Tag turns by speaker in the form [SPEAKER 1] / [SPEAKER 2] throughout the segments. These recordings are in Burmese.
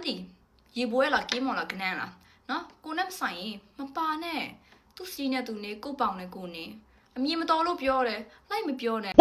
[SPEAKER 1] đi gì bố là kiếm một là cái này là nó cô ném sảy mà ba nè tu xí nè tụi này cô bảo này cô nè mi mà to lúc biểu này lại mới biểu này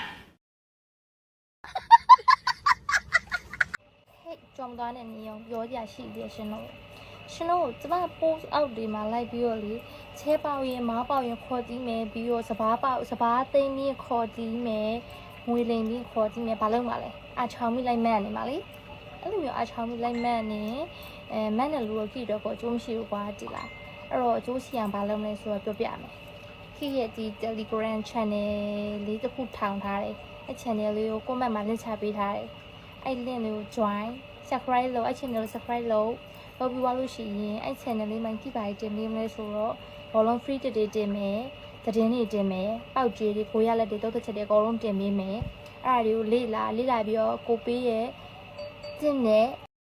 [SPEAKER 2] trong đó này nhiều có giá trị để xin lỗi这把 post out ဒီမှာလိုက်ပြီးတော့လေချဲပေါရင်မောင်းပေါရင်ခေါ်ကြည့်မယ်ပြီးတော့စဘာသိမ်းပြီးခေါ်ကြည့်မယ်ငွေလိမ်ပြီးခေါ်ကြည့်မယ်ဘာလို့မလဲအချောင်းမိလိုက်မှန်းနေမှာလေအဲ့လိုမျိုးအချောင်းမိလိုက်မှန်းနေမန်းတယ်လူတို့ကြည့်တော့ကိုအကျိုးမရှိဘူးကွာကြည်လားအဲ့တော့အကျိုးရှိအောင်ဘာလုပ်မလဲဆိုတော့ပြောပြမယ်ခေတ်ရဲ့ဒီ Telegram channel လေးတစ်ခုထောင်ထားတယ်အဲ့ channel လေးကို comment မှာ link ချပေးထားတယ်အဲ့ link လေးကို join subscribe လုပ်အဲ့ channel ကို subscribe လုပ်ပြီးသွားလို့ရှိရင်အဲ့ channel လေးမှာကြည့်ပါတင်ပေးမလဲဆိုတော့ဘောလုံး free တက်တင်မယ်သတင်းတွေတင်မယ်ပေါက်ကြေးတွေကိုရလက်တွေတုတ်ချက်တွေအကုန်လုံးတင်ပေးမယ်အဲ့ဒါတွေကိုလေ့လာပြီးတော့ကိုပေးရဲ့ကျင့်တဲ့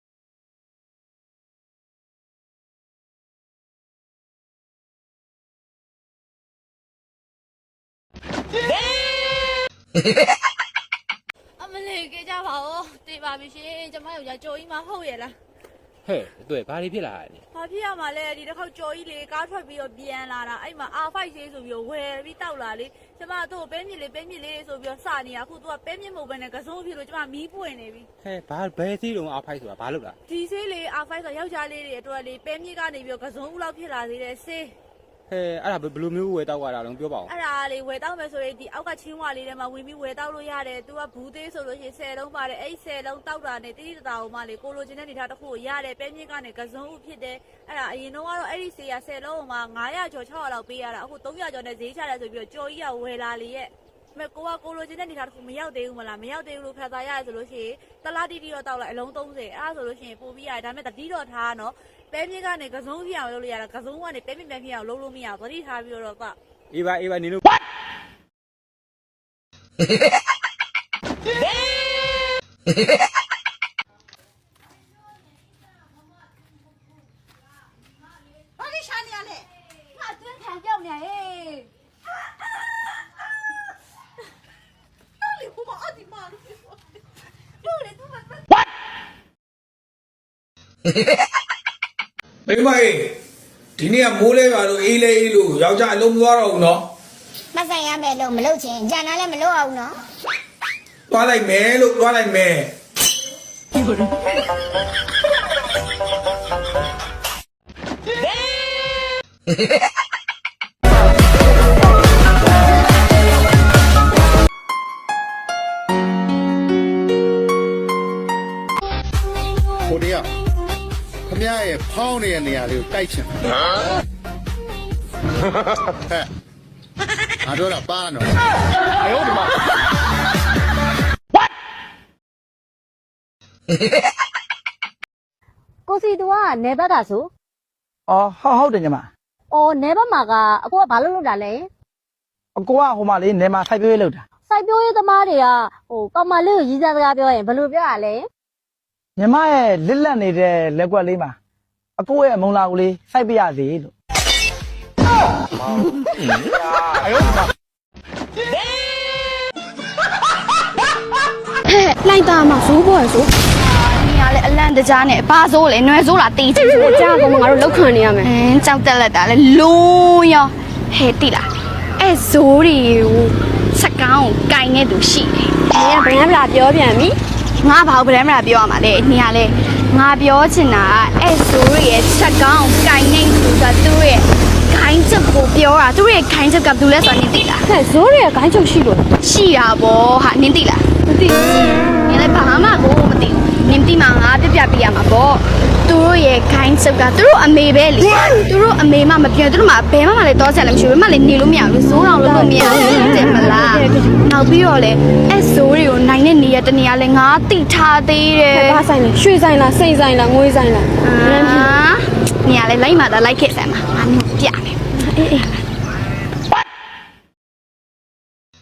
[SPEAKER 3] အမလေးကြကြပါဦးတေးပါပြီရှင်ကျမယောက်ျားကြော်ကြီးမဟုတ်ရဲ့လား
[SPEAKER 4] ဟဲ့တွေ့ဘာတွေဖြစ်လာလဲ
[SPEAKER 3] ဘာဖြစ်ရမှာလဲဒီတစ်ခေါက်ကြော်ကြီးလေကားထွက်ပြီးတော့ပြန်လာတာအဲ့မှာ R5 ဆေးဆိုပြီးတော့ဝယ်ပြီးတောက်လာလေကျမတို့ပဲမြစ်လေးဆိုပြီးတော့စနေတာအခုသူကပဲမြစ်မဟုတ်ဘဲနဲ့ကစုံဖြစ်လို့ကျမမီးပွင့်နေပြီ
[SPEAKER 4] ဟဲ့ဘာဘယ်စီးလုံးအားဖိုက်ဆိုတာဘာလို့လား
[SPEAKER 3] ဒီဆေးလေ R5 ဆိုယောက်ျားလေးတွေအတွက်လေပဲမြစ်ကနေပြီးတော့ကစုံဦးလောက်ဖြစ်လာသေးတယ်ဆေး
[SPEAKER 4] ဟဲ့အဲ့ဒါဘယ်လိုမျိုးဝယ်တောက်ရတာလဲပြောပါဦး
[SPEAKER 3] အဲ့ဒါလေဝယ်တောက်မယ်ဆိုရင်ဒီအောက်ကချင်းဝါလေးထဲမှာဝင်ပြီးဝယ်တောက်လို့ရတယ်သူကဘူးသေးဆိုလို့ရှိရင်10လုံးပါတယ်အဲ့10လုံးတောက်တာနဲ့တိတိတတာဟိုမှလေကိုလိုချင်တဲ့နေထားတစ်ခုကိုရတယ်ပဲမြင့်ကနေကစုံဥဖြစ်တယ်အဲ့ဒါအရင်တော့ကတော့အဲ့ဒီဆေးရ10လုံးဟိုမှာ900ကျော်600လောက်ပေးရတာအခု300ကျော်နဲ့ဈေးချတယ်ဆိုပြီးတော့ကြော်ကြီးကဝယ်လာလေရဲ့မဲ့ကိုလိုချင်တဲ့နေထားတစ်ခုမရောက်သေးဘူးမလားမရောက်သေးဘူးလို့ဖတ်သားရတယ်ဆိုလို့ရှိရင်တလားတီတီတော့တောက်လိုက်အလုံး30အဲ့ဒါဆိုလို့ရှိရင်ပို့ပြီးရတယ်ဒါပေမဲ့တတိတော့ထားနော်ပဲမြင့်ကနေကစုံပြအောင်လုပ်လို့ရတာကစုံကနေပဲမြင့်ပြန်ပြအောင်လုပ်လို့မရဘူးသတိထားပြီးတော့က
[SPEAKER 4] အေးပါနေလို့
[SPEAKER 3] ဘာလို့ရှာနေရလဲငါတွင်းခံကြောက်နေဟဲ့နော်လေဘုမအဒီမာလို့လို့လေသူမ
[SPEAKER 5] မိမဒီနေ့ကမိုးလဲပါလို့အေးလဲအေးလို့ယောက်ျားအလုံးမသွားတော့ဘူးနော်
[SPEAKER 6] မဆိုင်ရမယ်လို့မလုပ်ချင်ဂျန်နာလည်းမလုပ်အောင်နော်
[SPEAKER 5] သွားလိုက်မယ်လို့သွားလိုက်မယ်
[SPEAKER 7] ဟိုတည်းကခမရရဲ့ဖောင်းနေတဲ့နေရာလေးကိုတိုက်ချင်တယ်ဟဲ့ငါတို့တော့ပါနော်အေးဟုတ်ဒီမှာ
[SPEAKER 2] ကိုစီတူကနေဘက်တာဆို
[SPEAKER 8] အော်ဟုတ်တယ်ညီမ
[SPEAKER 2] အော်နေဘက်မှာကအကိုကဘာလုပ်တာလဲ
[SPEAKER 8] အကိုကဟိုမှာလေးနေမှာစိုက်ပျိုးရေးလုပ်တာ
[SPEAKER 2] စိုက်ပျိုးရေးသမားတွေကကောင်မလေးကိုရည်စားစကားပြောရင်ဘယ်လိုပြောရလဲ
[SPEAKER 8] ညီမရဲ့လစ်လက်နေတဲ့လက်ကွက်လေးမှာအကိုရဲ့မုံလာကိုလေးစိုက်ပြရစီလို့
[SPEAKER 6] လိုက်တာမှာဇိုးပေါ်ရဆိုနေရလဲအလန့်တကြားနဲ့ဘာဇိုးလဲနွယ်ဇိုးလားတေးချင်တယ်ကြားကောင်ငါတို့လောက်ခံနေရမယ်ကြောက်တက်လက်တာလဲလုံးရောဟဲ့တိလားအဲ့ဇိုးတွေကိုစကောင်းကိုကင်နေသူရှိတယ်ဘယ်ကဗလားပြောပြန်ပြီငါဘာလို့ဗရမ်းမလားပြောရမှာလဲနေရလဲငါပြောချင်တာအဲ့ဇိုးရဲ့ချက်ကောင်းကင်နေသူကသူ့ရဲ့ခိုင်းချက်ကိုပြောတာသူ့ရဲ့ခိုင်းချက်ကဘူးလဲဆိုတာနင်သိလားဟဲ့ဇိုးရဲ့ခိုင်းချက်ရှိလို့ရှိတာဗောဟာနင်သိလားမသိဘူးနင်လည်းဘာမှကိုမသိဘူးနင်သိမှငါပြပြပေးရမှာဗောသူတို့ရဲ့ခိုင်းချက်ကသူတို့အမေပဲလေသူတို့အမေမှမပြောသူတို့မှဘယ်မှလည်းတော့ဆက်လည်းမရှိဘူးဘယ်မှလည်းနေလို့မရဘူးဇိုးအောင်လုပ်လို့မရဘူးတဲ့မလားနောက်ပြီးတော့လေအဲ့ဇိုးတွေကိုနိုင်တဲ့နေရတနေရာလဲငါတိထားသေးတယ်
[SPEAKER 2] ဘာဆိုင်လဲရွှေဆိုင်လားစိတ်ဆိုင်လားငွေဆိုင်လား
[SPEAKER 6] နေရာလဲလိုက်မှသာလိုက်ခဲ့စမ်းပါငါနင်ပြမယ်အေး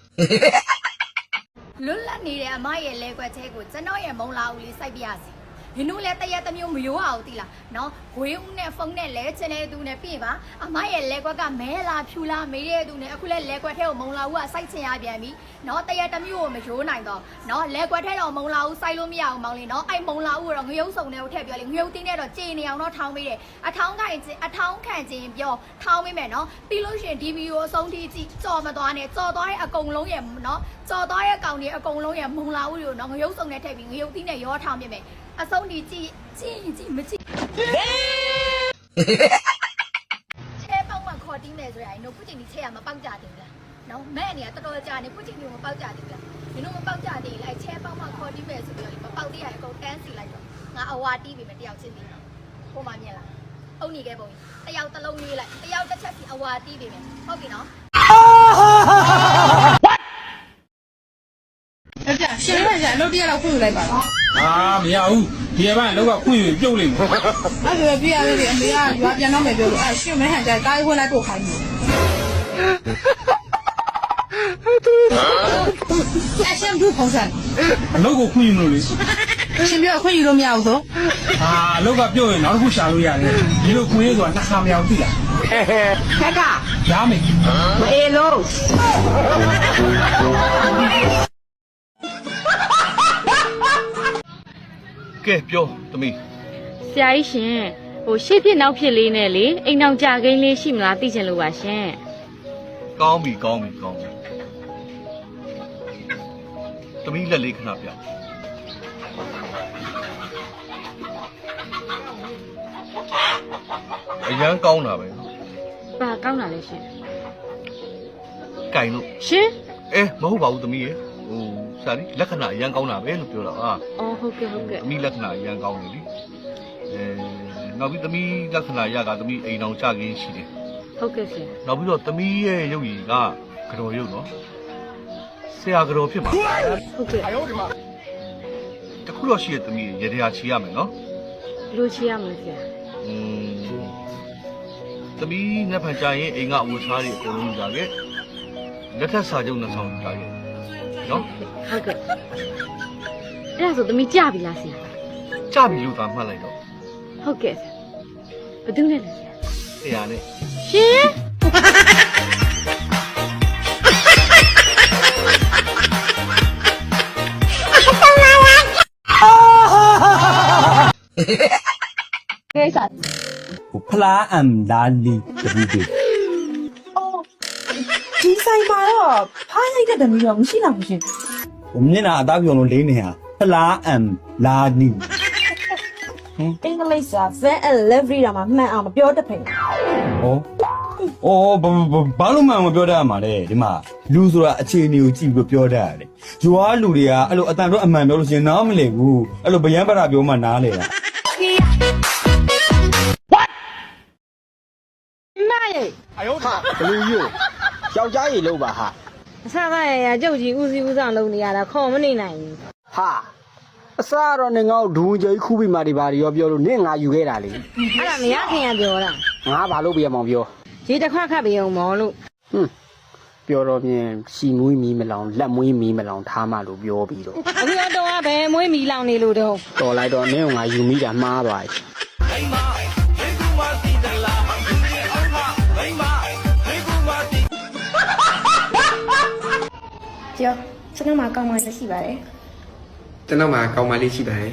[SPEAKER 6] လွတ်လပ်နေတဲ့အမရဲ့လဲကွက်သေးကိုကျွန်တော်ရဲ့မုံလာဦးလေးစိုက်ပြရစီ
[SPEAKER 9] နင်တို့လည်းတရက်တစ်မျိုးမရိုးအောင်သိလားနော်ဝေးဦးနဲ့ဖုန်းနဲ့လဲချင်တဲ့သူနဲ့ပြင်ပါအမရဲ့လဲကွက်ကမဲလာဖြူလာမေးတဲ့သူနဲ့အခုလဲလဲကွက်ထဲကိုမုံလာဦးကစိုက်ချင်ရပြန်ပြီနော်တရက်တစ်မျိုးကိုမရိုးနိုင်တော့နော်လဲကွက်ထဲတော့မုံလာဦးစိုက်လို့မရအောင်မောင်းလေနော်အဲ့မုံလာဦးကတော့ငရုတ်စုံနဲ့ကိုထည့်ပြောလေငရုတ်တင်းနဲ့တော့ကြေနေအောင်တော့ထောင်းပေးတယ်အထောင်းခံခြင်းပြောထောင်းပေးမယ်နော်ပြီးလို့ရှိရင်ဒီဗီဒီယိုအဆုံးထိကြည့်ကြော်မသွားနဲ့ကြော်သွားတဲ့အကုန်လုံးရဲ့နော်ကြော်သွားတဲ့ကောင်တွေအကုန်လုံးရဲ့မုံလာဦးတွေကိုနော်ငရုတ်စုံနဲ့ထည့်ပြီးငရုတ်တင်းနဲ့ရောထောင်းပေးမယ်အဆုံးထိကြည့်မကြည့်ချဲပေါက်မှခေါ်တင်းမယ်ဆိုရင်နော်ခုချိန်ဒီချဲရမပေါက်ကြတယ်လားနော်မဲ့အနေကတော်တော်ကြာနေခုချိန်ဒီမပေါက်ကြတယ်လားဒီလိုမပေါက်ကြသေးလိုက်ချဲပေါက်မှခေါ်တင်းမယ်ဆိုပြီးတော့မပေါက်သေးရအကုန်တန်းစီလိုက်တော့ငါအဝါတီးပြီမတယောက်ချင်းပြီးဟိုမှမြင်လားအုံနေခဲ့ပုံတယောက်တစ်လုံးလေးလိုက်တယောက်တစ်ချက်စီအဝါတီးပြီမယ်ဟုတ်ပြီနော်
[SPEAKER 10] ရှင်ရရလို့တရားတော့ဖွင့်လိုက်ပါတော့
[SPEAKER 5] မရဘူးဒီကဘာလောက်ကခွင့်ယူပြုတ်လိမ့်မယ်
[SPEAKER 10] အဲ့ဒါပြရလေအမေကရွာပြန်တော့မယ်ပြောလို့အဲ့ရှင်မဲဟန်ကြတားဝင်လိုက်ပို့ခိုင်းတယ်အဲ့ရှင်ဘူးပုံစံ
[SPEAKER 5] အလုပ်ကိုခွင့်ယူလို့လေ
[SPEAKER 10] ရှင်ပြောခွင့်ယူလို့မရဘူးဆို
[SPEAKER 5] အလောက်ကပြုတ်ရင်နောက်တစ်ခုရှာလို့ရတယ်ဒီလိုခွင့်ရဆိုတာနှစ်ခါမရဘူးသိလား
[SPEAKER 10] ခက်က
[SPEAKER 5] ရမယ်
[SPEAKER 10] မအေးလို့
[SPEAKER 7] ကဲပြောသမီး
[SPEAKER 11] ဆရာကြီးရှင်ဟိုရှေ့ဖြစ်နောက်ဖြစ်လေးနဲ့လေအိမ်အောင်ကြကိန်းလေးရှိမလားသိချင်လို့ပါရှင်
[SPEAKER 7] ကောင်းပြီသမီးလက်လေးခဏပြအရန်ကောင်းတာပဲ
[SPEAKER 11] ပါကောင်းတာလေရှင်
[SPEAKER 7] ကင်လို့
[SPEAKER 11] ရှင်
[SPEAKER 7] မဟုတ်ပါဘူးသမီးရေဟိုစာရီလက္ခဏာအရန်ကောင်းတာပဲလို့ပြောတာဟာ
[SPEAKER 11] အော်ဟုတ်ကဲ့
[SPEAKER 7] သမီးလက္ခဏာအရန်ကောင်းတယ်လीနောက်ပြီးသမီးလက္ခဏာရကသမီးအိမ်အောင်ကြခင်းရှိတယ်
[SPEAKER 11] ဟုတ်ကဲ့ဆရာ
[SPEAKER 7] နောက်ပြီးတော့သမီးရဲ့ရုပ်ရည်ကကြော်ရုပ်နော်ဆရာကြော်ဖြစ်မှာ
[SPEAKER 11] ဟုတ်ကဲ့
[SPEAKER 7] တခုတော့ရှိရသမီးရေတရာချီရမယ်နော်
[SPEAKER 11] လူချီရမလဲဆရာ
[SPEAKER 7] သမီးငါဖန်ကြရင်အိမ်ကအဝတ်စားတွေအကုန်လုံးကြခဲ့လက်ထက်စာချုပ်နှစ်ဆောင်ကြခဲ့နော်
[SPEAKER 11] ဟုတ်ကဲ့အဲ့ဒါဆိုသမီးကြပြီလားဆရာ
[SPEAKER 7] ကြပြီလို့သာမှတ်လိုက်တော့
[SPEAKER 11] ဟုတ်ကဲ့ဆရာဘယ်သူနဲ့လဲဆရာ
[SPEAKER 7] ဆရာနဲ့
[SPEAKER 11] ရှင်ကိစ္စ
[SPEAKER 4] ဖလားအမ်လာလီတပူတွေ
[SPEAKER 10] ဒီဆိုင်မှာတော့ဖိုင်းလိုက်တဲ့တမီးတော့မရှိတော့ဘူးရှင်
[SPEAKER 4] မျက်နှာအသားပြုံလို့လေးနေဟာဖလားအမ်လာနီ
[SPEAKER 10] အင်္ဂလိပ်စာ van and livery တာမှမှန်အောင်မပြောတတ်ဖိ
[SPEAKER 4] ဘာလို့မှမပြောတတ်ရမှာလဲဒီမှာလူဆိုတာအခြေအနေကိုကြည့်ပြီးပြောတတ်ရတယ်ရွာလူတွေကအဲ့လိုအတန်တော့အမှန်ပြောလို့ရှိရင်နားမလည်ဘူးအဲ့လိုဗျံပရာပြောမှနားလေတာ
[SPEAKER 8] ဘလူးယူယောက်ျားကြီးလို့ပါဟာ
[SPEAKER 10] အဆကရကြုတ်ကြီးဦးစီးဦးဆောင်လုပ်နေရတာခေါ်မနေနိုင်ဘူး
[SPEAKER 8] ဟာအစားတော့နေငေါ့ဒူးကြီးခူးပြီးမှဒီပါရောပြောလို့နင့်ငါယူခဲ့တာလေ
[SPEAKER 10] အဲ့ဒါမရခင်ကပြောတာ
[SPEAKER 8] ငါဘာလို့ပြရမောင်ပြော
[SPEAKER 10] ရေတစ်ခွက်ခတ်ပြီးအောင်မော်လို့
[SPEAKER 8] ပြောတော့မြင်ရှီမွေးမီးမလောင်လက်မွေးမီးမလောင်ထားမှလို့ပြောပြီးတော့
[SPEAKER 10] အခုတော့ဘယ်မွေးမီလောင်နေလို့တော့
[SPEAKER 8] တော်လိုက်တော့နင့်ငါယူမိတာမှားသွားပြီ
[SPEAKER 2] ကျော်ကျွန်တော်မှာကောင်းမှရှိပါတယ်
[SPEAKER 12] ကျွန်တော်မှာကောင်းမလေးရှိပါတယ်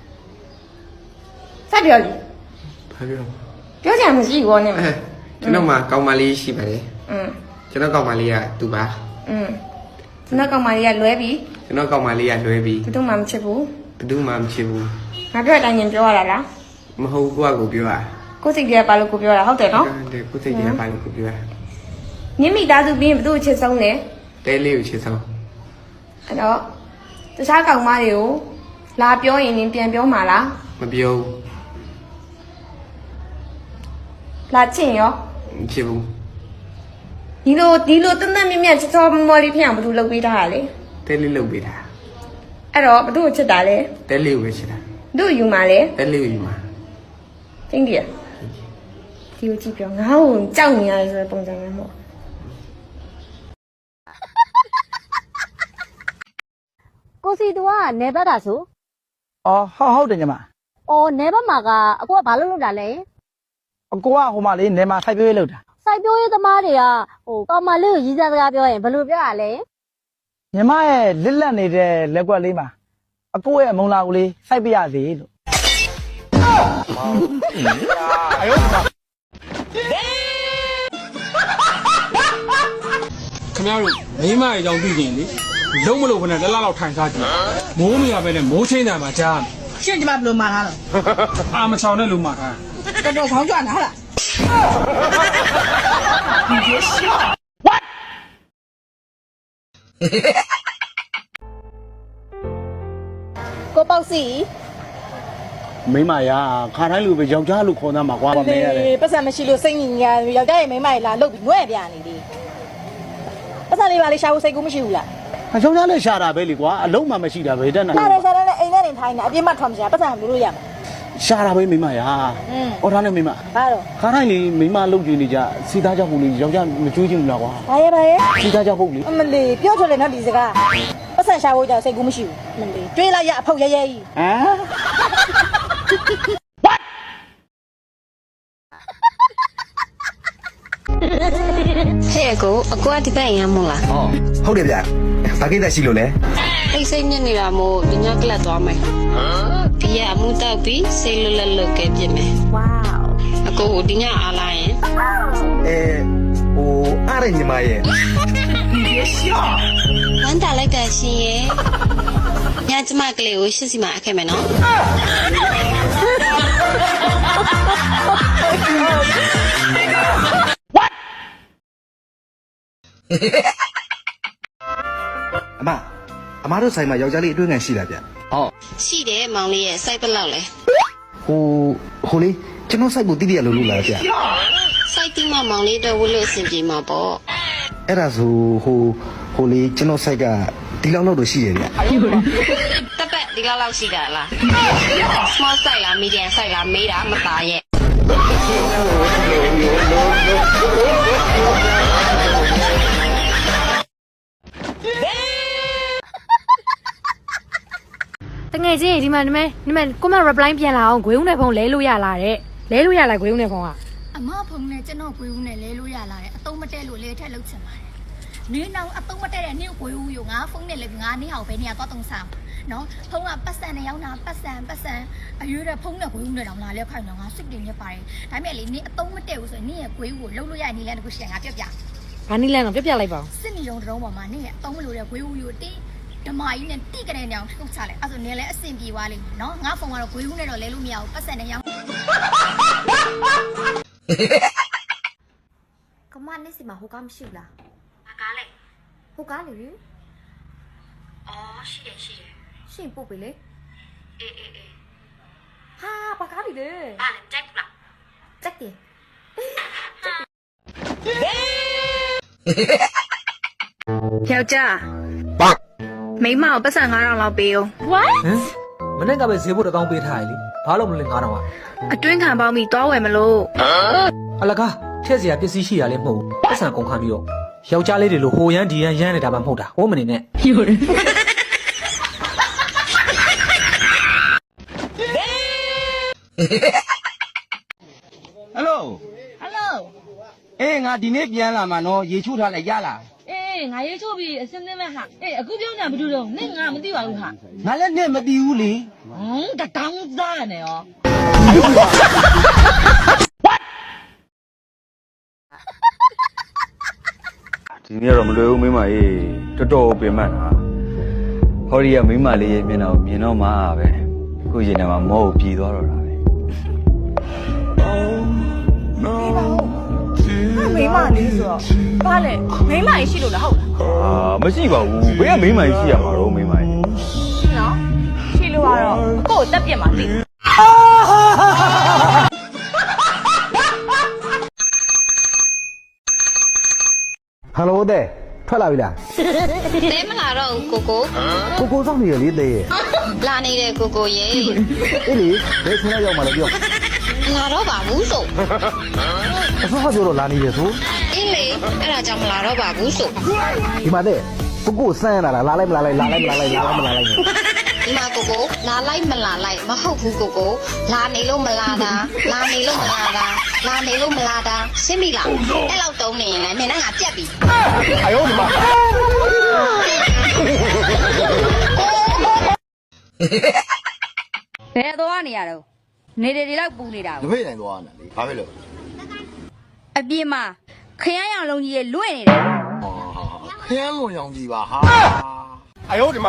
[SPEAKER 2] စပြောလေ
[SPEAKER 12] ဘာပြော
[SPEAKER 2] ပြောချင်မရှိဘူးနဲ့
[SPEAKER 12] ကျွန်တော်မှာကောင်းမလေးရှိပါတယ်ကျွန်တော်ကောင်းမလေးကသူပါ
[SPEAKER 2] ကျွန်တော်ကောင်းမှလေးကလွဲပြီး
[SPEAKER 12] ကျွန်တော်ကောင်းမလေးကလွဲပြီး
[SPEAKER 2] ဘယ်သူမှမချစ်ဘူး
[SPEAKER 12] ဘယ်သူမှမချစ်ဘူး
[SPEAKER 2] ငါပြောတဲ့အတိုင်းပြောရတာလား
[SPEAKER 12] မဟုတ်ကိုကကိုပြောတာ
[SPEAKER 2] ကိုစိတ်ကြီးကပါလို့ကိုပြောတာဟုတ်တယ်နော်
[SPEAKER 12] တဲ့ကိုစိတ်ကြီးကပါလို့ကိုပြောတာ
[SPEAKER 2] ညမိသားစုပြီးရင်ဘယ်သူ့ချစ်ဆုံးလဲ
[SPEAKER 12] တဲလေးကိုချစ်ဆုံး
[SPEAKER 2] အဲ့တော့တခြားကောင်မတွေကိုလာပြောရင်ပြန်ပြောမှာလား
[SPEAKER 12] မပြော
[SPEAKER 2] လာချင်ရော
[SPEAKER 12] ဘူးမချစ်ဘူး
[SPEAKER 2] ဒီလိုတန်းတန်းမြင့်မြတ်ချစ်စောမော်လေးဖြစ်အောင်ဘယ်သူလုပ်ပေးထားတာလဲ
[SPEAKER 12] တဲလေးလုပ်ပေးတာ
[SPEAKER 2] အဲ့တော့ဘယ်သူ့ကိုချစ်တာလဲ
[SPEAKER 12] တဲလေးကိုပဲချစ်တာ
[SPEAKER 2] ဘယ်သူ့ယူမှာလဲ
[SPEAKER 12] တဲလေးကိုယူမှာ
[SPEAKER 2] သိင်ကြီးဒီကိုကြည့်ပြောငါ့ကိုကြောက်နေရတယ်ဆိုတဲ့ပုံစံမျိုးမဟုတ်
[SPEAKER 10] ကိုစီတူကနေပတ်တာဆို
[SPEAKER 8] အော်ဟုတ်တယ်ညီမ
[SPEAKER 2] အော်နဲဘက်မှာကအကိုကဘာလုပ်တာလဲ
[SPEAKER 8] အကိုကဟိုမှာလေးနေမှာစိုက်ပျိုးရေးလုပ်တာ
[SPEAKER 2] စိုက်ပျိုးရေးသမားတွေကကောင်မလေးကိုရည်စားစကားပြောရင်ဘယ်လိုပြောရလဲ
[SPEAKER 8] ညီမရဲ့လစ်လက်နေတဲ့လက်ကွက်လေးမှာအကိုရဲ့မုံလာကိုလေးစိုက်ပြရစေလို့
[SPEAKER 13] ခင်ဗျားတို့မိမရဲ့အကြောင်းသိကြရင်လေလုံးမလို့ခနဲ့တစ်လလောက်ထိုင်စားကြည့်မိုးမရပဲနဲ့မိုးချင်းတယ်မှာကြားမယ်
[SPEAKER 10] ရှင်းကျမဘယ်လိုမှားထားလဲ
[SPEAKER 13] အာမချောင်နဲ့လူမှာထား
[SPEAKER 10] တော်တော်ခေါင်းကြွနာဟုတ်လား
[SPEAKER 2] ကိုပေါ့စီ
[SPEAKER 8] မိမရာခါတိုင်းလူပဲယောက်ျားလူခေါ်သားမှာကွာပါမင်းရတယ်
[SPEAKER 10] ပတ်စံမရှိလို့စိတ်ညစ်ညာယောက်ျားရဲ့မိန်းမကြီးလာလုတ်ပြီးငွဲ့ပြနေလေပတ်စံလေးပါလေးရှာဖို့စိတ်ကူးမရှိဘူးလား
[SPEAKER 8] အယောက်ျားလည်းရှာတာပဲလေကွာအလုံးမှမရှိတာပဲတက်နိုင်
[SPEAKER 10] ရှာတယ်ရှာတယ်နဲ့အိမ်ထဲနေထိုင်နေအပြစ်မှထွက်မရှာပတ်စံလို့လို့ရမှာ
[SPEAKER 8] ရှာတာပဲမိမရာအော်ဒါနဲ့မိမ
[SPEAKER 10] ဘာတော့
[SPEAKER 8] ခါတိုင်းလေမိမလုံကြည့်နေကြစီသားကြောက်ဖို့လေယောက်ျားမကြွေးချင်ဘူးလားကွာ
[SPEAKER 10] ဘာရဲ့
[SPEAKER 8] စီသားကြောက်ဖို့လေ
[SPEAKER 10] အမလီပြောထွက်တယ်နော်ဒီစကားပတ်စံရှာဖို့ကြောင့်စိတ်ကူးမရှိဘူးအမလီတွေးလိုက်ရအဖုတ်ရဲရဲကြီး
[SPEAKER 8] ဟမ်
[SPEAKER 6] ဟဲ့အကိုကဒီဘက်ရမ်းမို့လား
[SPEAKER 12] ဟုတ်တယ်ဗျဘာကိစ္စရှိလို့လဲ
[SPEAKER 6] အိတ်စိတ်ညစ်နေတာမို့ဒီညကလပ်သွားမယ်ဒီရအမှုတောက်ပြီးစိတ်လွတ်လပ်လွတ်ကဲပြစ်မယ်ဝေါအကိုကိုဒီညအားလာရင်
[SPEAKER 12] ဟိုအားရညီမရဲ့
[SPEAKER 6] ဝမ်းတာလိုက်တာရှင်ရဲ့ညကျမကလေးကိုရှစ်စီမှာအခဲ့မယ်နော်
[SPEAKER 12] အမတို့ဆိုင်မှာယောက်ျားလေးအတွင်းခံရှိလားဗျ
[SPEAKER 6] ရှိတယ်မောင်လေးရဲ့စိုက်ပလောက်လဲ
[SPEAKER 12] ဟိုလေးကျွန်တော်စိုက်ဖို့တိတိရလို့လို့လားဗျ
[SPEAKER 6] စိုက်တိမမောင်လေးတော့ဝလို့အဆင်ပြေမှာပေါ့
[SPEAKER 12] အဲ့ဒါဆိုဟိုလေးကျွန်တော်စိုက်ကဒီလောက်တော့ရှိတယ်ဗျ
[SPEAKER 6] တက်ပတ်ဒီလောက်ရှိတာလား small size လား medium size လားမေးတာမသားရဲ့
[SPEAKER 9] တငယ်ချင်းဒီမှာကိုမ reply ပြန်လာအောင်ဂွေးဦးနဲ့ဖုန်းလဲလို့ရလာတဲ့လဲလို့ရလာဂွေးဦးနဲ့ဖုန်းကအမဖုန်းနဲ့ကျွန်တော်ဂွေးဦးနဲ့လဲလို့ရလာတဲ့အတုံးမတဲလို့လဲထက်လောက်ချင်ပါတယ်နင်းတော့အတုံးမတဲတဲ့နင်းဂွေးဦးရောငါဖုန်းနဲ့လည်းငါနင်းအောင်ပဲနေရတော့တုံးစားနော်ဖုန်းကပတ်စံနဲ့ရောက်တာပတ်စံအရွေးတဲ့ဖုန်းနဲ့ဂွေးဦးနဲ့တောင်လာလဲခိုင်းတော့ငါစစ်တင်နေပါတယ်ဒါပေမဲ့လေနင်းအတုံးမတဲဘူးဆိုရင်နင်းရဲ့ဂွေးဦးကိုလှုပ်လို့ရနေလဲတခုရှိရင်ငါပြပြဘာနည်းလဲတော့ပြပြလိုက်ပါဦးစစ်နေတော့တုံးပေါ်မှာနင်းရဲ့အတုံးမလို့တဲ့ဂွေးဦးကိုတင်းဓမ္မကြီးနဲ့တိကတဲ့နေအောင်ထုတ်ချလိုက်အဲ့ဆိုနေလဲအဆင်ပြေသွားလိမ့်မယ်နော်ငါဖုန်းကတော့ဂွေးဦးနဲ့တော့လဲလို့မရဘူးပတ်စံနဲ့ရောင်းကမနေ့စီမှာဟိုကားမရှိဘူးလားဘာကားလဲဟိုကားလေအော်ရှိတယ်ရှင်ပို့ပြီလေအေးဟာဘာကားလေဘာလဲကြိုက်လားကြိုက်တယ်ယောက်ျားမိမကိုပတ်စံ9000လောက်ပေးအောင် What
[SPEAKER 14] မနေ့ကပဲဈေးဖို့1000ပေးထားရလေဘာလို့မလဲ9000อ่ะ
[SPEAKER 9] အတွင်းခံပေါင်းပြီးသွားဝယ်မလို့
[SPEAKER 14] အလကားထည့်စရာပစ္စည်းရှိရလဲမဟုတ်ဘူးပတ်စံကုန်ခံပြီးတော့ယောက်ျားလေးတွေလိုဟိုရမ်းဒီရမ်းရမ်းနေတာမှမဟုတ်တာဟိုးမနေနဲ့ဟ
[SPEAKER 8] ယ်လိုအေးငါဒီနေ့ပြန်လာမှာနော်ရေချိုးထားလိုက်ရလား
[SPEAKER 10] ငါရေးချိုးပြီးအစင်းသင်းမဲ့ဟာအခုပြောညာဘာလို့တော့နင့်ငါမသိပါဘူးဟာ
[SPEAKER 8] ငါလည်းနဲ့မတည်ဘူးလေ
[SPEAKER 10] တတောင်းသားနေရော
[SPEAKER 4] ဒီနေ့တော့မလွယ်ဘူးမိမကြီးတော်တော်ပင်ပန်းတာဟောဒီကမိမလေးရဲ့မျက်နှာကိုမြင်တော့မှပဲခုရင်ထဲမှာမောကိုပြေသွားတော့တာပဲ
[SPEAKER 10] မိမလေးဆိုတော့ဘာလဲမိမကြီးရှိလို့လားဟုတ်လား
[SPEAKER 4] မရှိပါဘူးဘယ်ကမိမကြီးရှိရမှာတော့မိမကြီး
[SPEAKER 10] နော်ရှိလို့ကတော့အကိုတက်ပြစ်မှာသိ
[SPEAKER 12] ဟယ်လိုတဲ့ထွက်လာပြီလား
[SPEAKER 6] တဲမလာတော့ကို
[SPEAKER 12] ကိုစောင့်နေရလေတဲ့
[SPEAKER 6] လာနေတဲ့ကိုရဲ့
[SPEAKER 12] အေးလေဘယ်ချိန်ရောက်မှလဲပြော
[SPEAKER 6] လာတော့ပါဘူးဆို
[SPEAKER 12] အစောပြောတော့လာနေတယ်ဆို
[SPEAKER 6] အေးလေအဲ့ဒါကြောင့်မလာတော့ပါဘူးဆို
[SPEAKER 12] ဒီမှာတဲ့ကိုစမ်းရတာလားလာလိုက်မလာလိုက်
[SPEAKER 6] ဒီမှာကိုကိုလာလိုက်မလာလိုက်မဟုတ်ဘူးကိုကိုလာနေလို့မလာတာလာနေလို့မလာတာလာနေလို့မလာတာရှင်းပြီလားအဲ့လောက်တုံးနေရင်လည်းနင်နဲ့ငါပြက်ပြီအယောဒီမှာ
[SPEAKER 10] ဘယ်သွားနေရတော့နေတွေလောက်ပူနေတာ
[SPEAKER 15] တပိတ်တိုင်းသွားနေတာလေဘာဖြစ်လို့
[SPEAKER 10] အပြေမှာခရမ်းရောင်လုံးကြီးရဲ့လွင့်နေတယ်
[SPEAKER 15] ခရမ်းလွန်ရောင်ကြီးပါဟာ
[SPEAKER 8] အယောဒီမှာ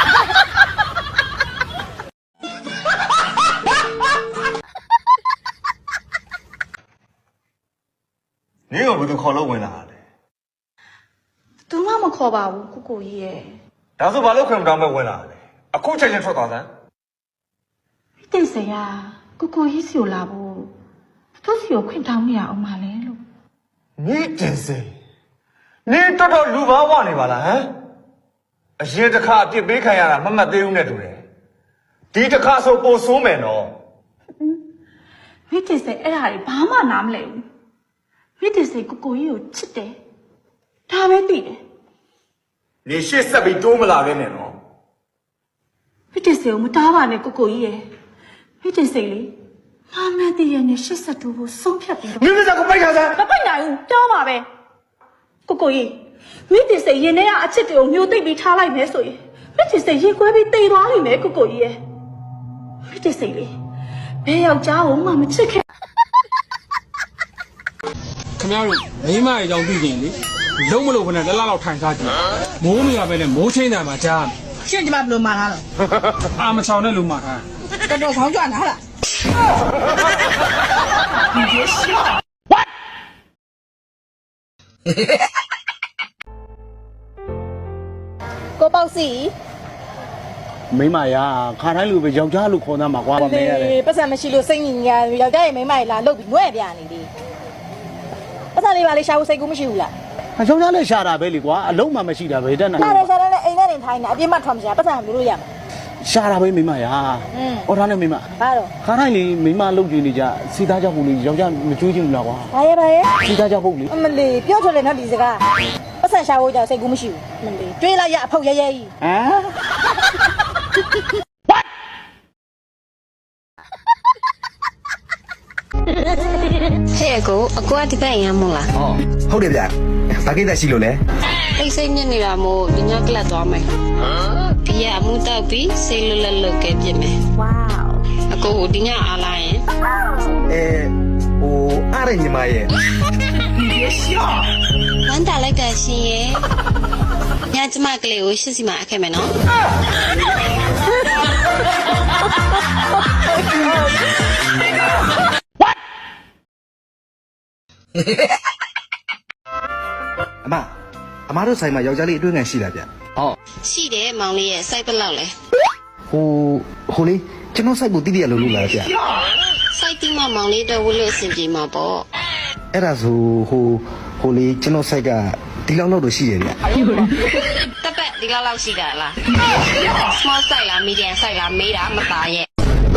[SPEAKER 4] နင်းကဘယ်သူခေါ်လို့ဝင်လာလဲ
[SPEAKER 1] သူမှမခေါ်ပါဘူးကိုကိုကြီးရဲ့
[SPEAKER 4] ဒါဆိုဘာလို့ခွင့်မတောင်းမဲ့ဝင်လာလဲအခုချက်ချင်းထွက်သွားစမ်း
[SPEAKER 1] တိတ်စရာကိုကိုကြီးစီကိုလာဖို့သူစီကိုခွင့်တောင်းမရအောင်မလဲလို့
[SPEAKER 4] နင်းတင်စေနင်းတော်တော်လူဘာဝနေပါလားဟမ်အရင်တစ်ခါအပြစ်ပေးခံရတာမမှတ်သေးဘူးနဲ့တူတယ်ဒီတစ်ခါဆိုပိုဆိုးမယ်နော်
[SPEAKER 1] မိတိစေအဲ့ဒါတွေဘာမှနားမလဲဘူးမိတိစေကိုကိုကြီးကိုချစ်တယ်ဒါပဲသိတယ်
[SPEAKER 4] နေရှေ့ဆက်ပြီးတိုးမလာခဲ့နဲ့နော်
[SPEAKER 1] မိတိစေကိုမတားပါနဲ့ကိုကိုကြီးရဲ့မိတိစေလေငါမတည့်ရနဲ့ရှစ်ဆက်တူကိုဆုံးဖြတ်ပြီးတော့
[SPEAKER 4] မင်းကကိုပိုက်ခါစမ်း
[SPEAKER 1] မပိုက်နိုင်ဘူးတောင်းပါပဲကိုကိုကြီးမိတိစေရင်ထဲကအချစ်တွေကိုမျိုးသိပ်ပြီးထားလိုက်မယ်ဆိုရင်မိတိစေရင်ခွဲပြီးတိမ်သွားလိမ့်မယ်ကိုကိုကြီးရဲ့မိတိစေလေဘယ်ယောက်ျားကိုမှမချစ်ခဲ့
[SPEAKER 13] ခင်ဗျားတို့မိမရဲ့အကြောင်းသိကျင်လေလုံးမလို့ခနဲ့တစ်လားလောက်ထိုင်စားကြည့်မိုးမရပဲနဲ့မိုးချင်းတယ်မှာကြား
[SPEAKER 10] ရှင့်ဒီမှာဘယ်လိုမှထားလဲ
[SPEAKER 13] အာမချောင်နဲ့လူမှာထား
[SPEAKER 10] တော်တော်ခေါင်းကြွနားလား ကိုပေါ့စီ
[SPEAKER 8] မိမရာခါတိုင်းလူပဲယောက်ျားလူခေါ်သားမှာကွာမမဲရတယ်
[SPEAKER 10] ပတ်စံမရှိလို့စိတ်ညစ်ညာယောက်ျားရဲ့မိန်းမကြီးလာလုတ်ပြီးငွဲ့ပြနေလေပတ်စံလေးပါလေရှာဖို့စိတ်ကူးမရှိဘူးလား
[SPEAKER 8] အယောက်ျားလည်းရှာတာပဲလေကွာအလုံးမှမရှိတာပဲတဲ့နာ
[SPEAKER 10] ရှာတယ်ရှာတယ်နဲ့အိမ်ထဲနေထိုင်နေအပြစ်မှထွက်မရှာပတ်စံမျိုးလို့ရမှာ
[SPEAKER 8] ရှာတာပဲမိမရာအော်ဒါနဲ့မိမ
[SPEAKER 10] ဘာတော့
[SPEAKER 8] ခါတိုင်းလေမိမလုတ်ကြည့်နေကြစီသားကြောက်ဖို့လေယောက်ျားမကြွေးချင်ဘူးလားကွာ
[SPEAKER 10] ဘာရဲ့
[SPEAKER 8] စီသားကြောက်ဖို့လေ
[SPEAKER 10] အမလီပြောထွက်လေနော်ဒီစကားပတ်စံရှာဖို့ကြောင့်စိတ်ကူးမရှိဘူးအမလီတွေးလိုက်ရအဖုတ်ရဲရဲကြီး
[SPEAKER 8] ဟမ်
[SPEAKER 6] ဟဲ့ကိုအကွာဒီဘက်ရမ်းမို့လား
[SPEAKER 12] ဟုတ်တယ်ဗျဘာကိစ္စရှိလို့လဲ
[SPEAKER 6] တိတ်ဆိတ်ညစ်နေတာမို့ဒီညကလပ်သွားမယ်ဒီရအမှုတောက်ပြီးစိတ်လွတ်လပ်လွတ်ကဲပြစ်မယ်ဝေါအကိုကိုဒီညအားလာရင်
[SPEAKER 12] ဟိုအားရညီမရဲ့
[SPEAKER 6] ဝမ်းတာလိုက်တာရှင်ရဲ့ညကျမကလေးကိုရှစ်စီမှာအခဲ့မယ်နော်
[SPEAKER 12] အမတို့ဆိုင်မှာယောက်ျားလေးအတွင်းခံရှိလားဗျ
[SPEAKER 8] ဟုတ်
[SPEAKER 6] ရှိတယ်မောင်လေးရဲ့စိုက်ပလောက်လဲ
[SPEAKER 12] ဟိုလေးကျွန်တော်ဆိုင်ကိုတိတိရလို့လို့လားဗျ
[SPEAKER 6] စိုက်တိမမောင်လေးတော့ဝလို့အဆင်ပြေမှာပေါ့
[SPEAKER 12] အဲ့ဒါဆိုဟိုလေးကျွန်တော်ဆိုင်ကဒီလောက်တော့ရှိတယ်ဗျ
[SPEAKER 6] တက်ပက်ဒီလောက်ရှိတာလား small size လား medium size လားမေးတာမသားရဲ့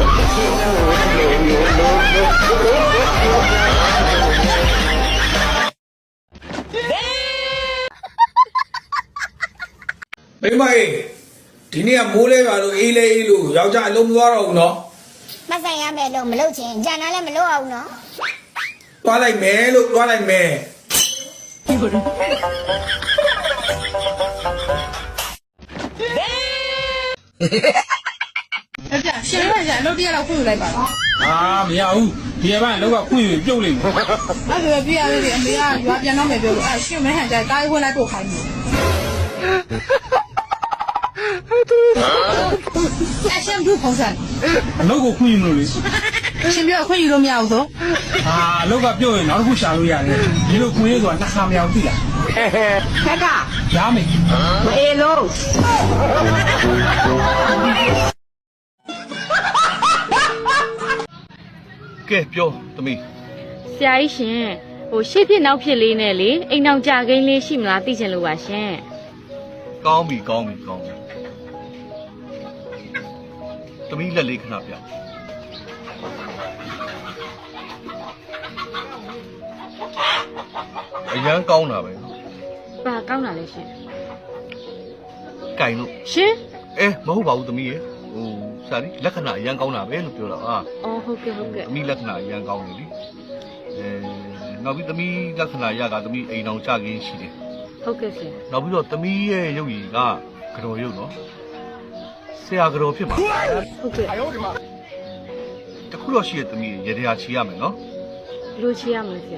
[SPEAKER 5] မိမကြီးဒီနေ့ကမိုးလဲပါလို့အေးလဲအေးလို့ယောက်ျားအလုံးမသွားတော့ဘူးနော်
[SPEAKER 6] မဆိုင်ရမယ်လို့မလုပ်ချင်ဂျန်နာလည်းမလုပ်အောင်နော်
[SPEAKER 5] သွားလိုက်မယ်လို့သွားလိုက်မယ်
[SPEAKER 10] ရှင်ရရအလုပ်တရတော့ခွင့်ယူလိုက်ပါတော့
[SPEAKER 13] အာမရဘူးဒီကဘာလောက်ကခွင့်ယူပြုတ်လိမ့်မယ်
[SPEAKER 10] အဲ့ဒါပြရသေးတယ်အမေကရွာပြန်တော့မယ်ပြောလို့အဲ့ရှင်မဲဟန်ကြတားခွင့်လိုက်ပို့ခိုင်းတယ်အရှင်ဘူးပုံစံ
[SPEAKER 13] အလုပ်ကိုခွင့်ယူမလို့လေ
[SPEAKER 10] ရှင်ပြောခွင့်ယူလို့မရဘူးဆို
[SPEAKER 13] အာအလုပ်ကပြုတ်ရင်နောက်တစ်ခုရှာလို့ရတယ်ဒီလိုခွင့်ရဆိုတာနှစ်ခါမရဘူးသိလား
[SPEAKER 10] ခက်က
[SPEAKER 13] ရမယ်
[SPEAKER 10] မအေးလို့
[SPEAKER 7] ကဲပြောသမီး
[SPEAKER 11] ဆရာကြီးရှင်ဟိုရှေ့ဖြစ်နောက်ဖြစ်လေးနဲ့လေအိမ်အောင်ကြကိန်းလေးရှိမလားသိချင်လို့ပါရှင်
[SPEAKER 7] ကောင်းပြီသမီးလက်လေးခဏပြအရန်ကောင်းတာပဲ
[SPEAKER 11] ဘာကောင်းတာလဲရှင်
[SPEAKER 7] ကင်လို့
[SPEAKER 11] ရှင်
[SPEAKER 7] မဟုတ်ပါဘူးသမီးရေဆရာကြီးလက္ခဏာအရန်ကောင်းတာပဲလို့ပြောတာဟာ
[SPEAKER 11] အော်ဟုတ်ကဲ့ဟုတ်ကဲ့
[SPEAKER 7] သမီးလက္ခဏာအရန်ကောင်းတယ်လေနောက်ပြီးသမီးလက္ခဏာရကသမီးအိမ်အောင်ကြခင်းရှိတယ်
[SPEAKER 11] ဟုတ်ကဲ့ဆရာ
[SPEAKER 7] နောက်ပြီးတော့သမီးရဲ့ရုပ်ရည်ကကြော်ရုပ်နော်ဆရာကြော်ဖြစ်မှာ
[SPEAKER 11] ဟုတ်ကဲ့
[SPEAKER 7] တခုတော့ရှိရသမီးရေတရားချီရမယ်နော်
[SPEAKER 11] ဘယ်လိုချေရမလဲဆရာ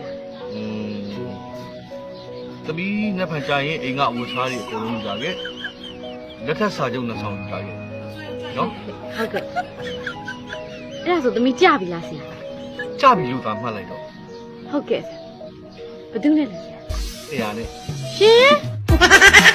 [SPEAKER 7] သမီးနှစ်ဖန်ကြာရင်အိမ်ကအဝတ်စားတွေအကုန်လုံးကြာခဲ့လက်ထက်စာချုပ်နှစ်ဆောင်ကြာခဲ့နော်
[SPEAKER 11] ဟုတ်ကဲ့အဲ့ဒါဆိုသမီးကြပြီလားဆရာ
[SPEAKER 7] ကြပြီလို့သာမှတ်လိုက်တော့
[SPEAKER 11] ဟုတ်ကဲ့ဆရာဘယ်သူနဲ့လဲဆရာ
[SPEAKER 7] ဆရာနဲ့
[SPEAKER 11] ရှင်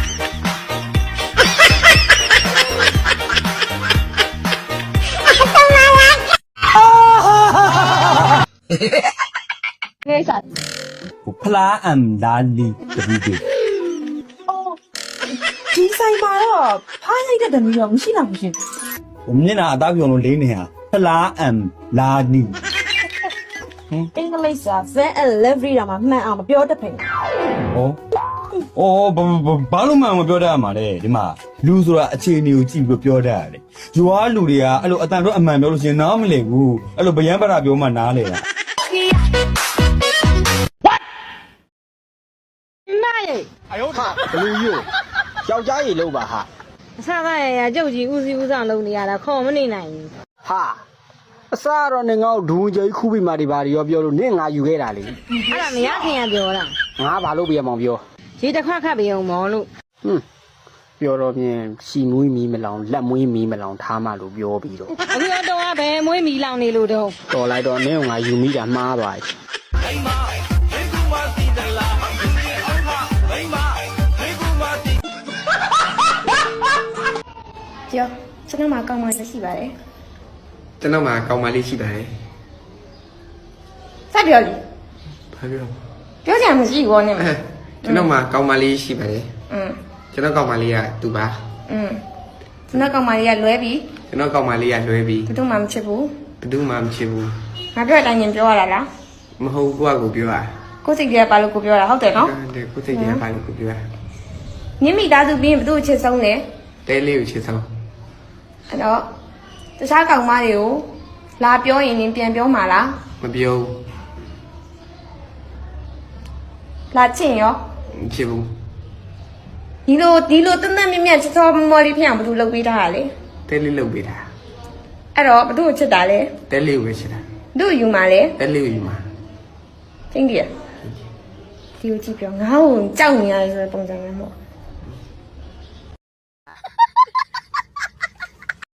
[SPEAKER 10] ကိစ္စ
[SPEAKER 8] ဖလားအမ်လာလီတပူးပြီ
[SPEAKER 10] ဒီဆိုင်မှာတော့ဖားရိုက်တဲ့တမီးတော့မရှိတော့ဘူးရှင်
[SPEAKER 8] မျက်နှာအသားပြုံလို့လိမ့်နေဟာဖလားအမ်လာလီ
[SPEAKER 10] အင်္ဂလိပ်စာ van and livery တော့မှမှန်အောင်မပြောတတ်ဖင်
[SPEAKER 8] ဘာလို့မှမပြောတတ်ရမှာလဲဒီမှာလူဆိုတာအခြေအနေကိုကြည့်ပြီးပြောတတ်ရတယ်ယူအားလူတွေကအဲ့လိုအတန်တော့အမှန်ပြောလို့ရှိရင်နားမလည်ဘူးအဲ့လိုဗျံပရာပြောမှနားလေတာ
[SPEAKER 16] ဘလူးယူယောက်ျားကြီးလို့ပါဟာ
[SPEAKER 17] အဆကရကြုတ်ကြီးဦးစီးဦးဆောင်လုပ်နေရတာခေါ်မနေနိုင်ဘူး
[SPEAKER 16] ဟာအစားတော့နေငေါ့ဒူးကြီးခူးပြီးမှဒီပါရောပြောလို့နင့်ငါယူခဲ့တာလေ
[SPEAKER 17] အဲ့ဒါမရခင်ကပြောတာ
[SPEAKER 16] ငါဘာလို့ပြရမောင်ပြော
[SPEAKER 17] ရေတစ်ခွက်ခတ်ပြီးအောင်မော်လို့
[SPEAKER 16] ပြောတော့မြင်ရှီမွေးမီမလောင်လက်မွေးမီမလောင်ထားမှလို့ပြောပြီးတော့
[SPEAKER 17] အခုတော့ဘယ်မွေးမီလောင်နေလို့တော့
[SPEAKER 16] တော်လိုက်တော့နင့်ငါယူမိတာမှားပါ့
[SPEAKER 6] ပြောကျွန်တော်မှာကောင်းမှရှိပါတယ်
[SPEAKER 12] ကျွန်တော်မှာကောင်းမလေးရှိပါတယ်
[SPEAKER 6] စပြောလေ
[SPEAKER 12] ဘာပြော
[SPEAKER 6] ပြောချင်မှရှိဘောနဲ့မ
[SPEAKER 12] ကျွန်တော်မှာကောင်းမလေးရှိပါတယ် ကျွန်တော်ကောင်းမလေးကသူပါ
[SPEAKER 6] ကျွန်တော်ကောင်းမှလေးကလွဲပြီး
[SPEAKER 12] ကျွန်တော်ကောင်းမလေးကလွဲပြီး
[SPEAKER 6] ဘယ်သူမှမချစ်ဘူး
[SPEAKER 12] ဘယ်သူမှမချစ်ဘူး
[SPEAKER 6] ငါပြောတဲ့အတိုင်းပြောရတာလား
[SPEAKER 12] မဟုတ်ကိုယ့်အကိုပြောတာ
[SPEAKER 6] ကိုယ်စိတ်ကြီးကပါလို့ကိုပြောတာဟုတ်တယ်နော်
[SPEAKER 12] တဲ့ကိုယ်စိတ်ကြီးကဘာလို့ကိုပြောတာ
[SPEAKER 6] ညမိသားစုပြီးရင်ဘယ်သူ့ချစ်ဆုံးလဲ
[SPEAKER 12] တဲလေးကိုချစ်ဆုံး
[SPEAKER 6] အဲ့တော့တခြားကောင်မတွေကိုလာပြောရင်နင်ပြန်ပြောမှာလား
[SPEAKER 12] မပြော
[SPEAKER 6] လာချင်ရော
[SPEAKER 12] ဘူးချစ်ဘူး
[SPEAKER 6] ဒီလိုတန်းတန်းမြတ်မြတ်ချစ်စောမော်လေးဖြစ်အောင်ဘယ်သူလုပ်ပေးထားတာလဲ
[SPEAKER 12] တဲလေးလုပ်ပေးတာ
[SPEAKER 6] အဲ့တော့ဘယ်သူ့ကိုချစ်တာလဲ
[SPEAKER 12] တဲလေးကိုပဲချစ်တာ
[SPEAKER 6] ဘယ်သူ့ယူမှာလဲ
[SPEAKER 12] တဲလေးကိုယူမှာ
[SPEAKER 6] ကျင်းတည်းဒီကိုကြည့်ပြောငါ့ကိုကြောက်နေရတယ်ဆိုတဲ့ပုံစံမျိုးမဟုတ်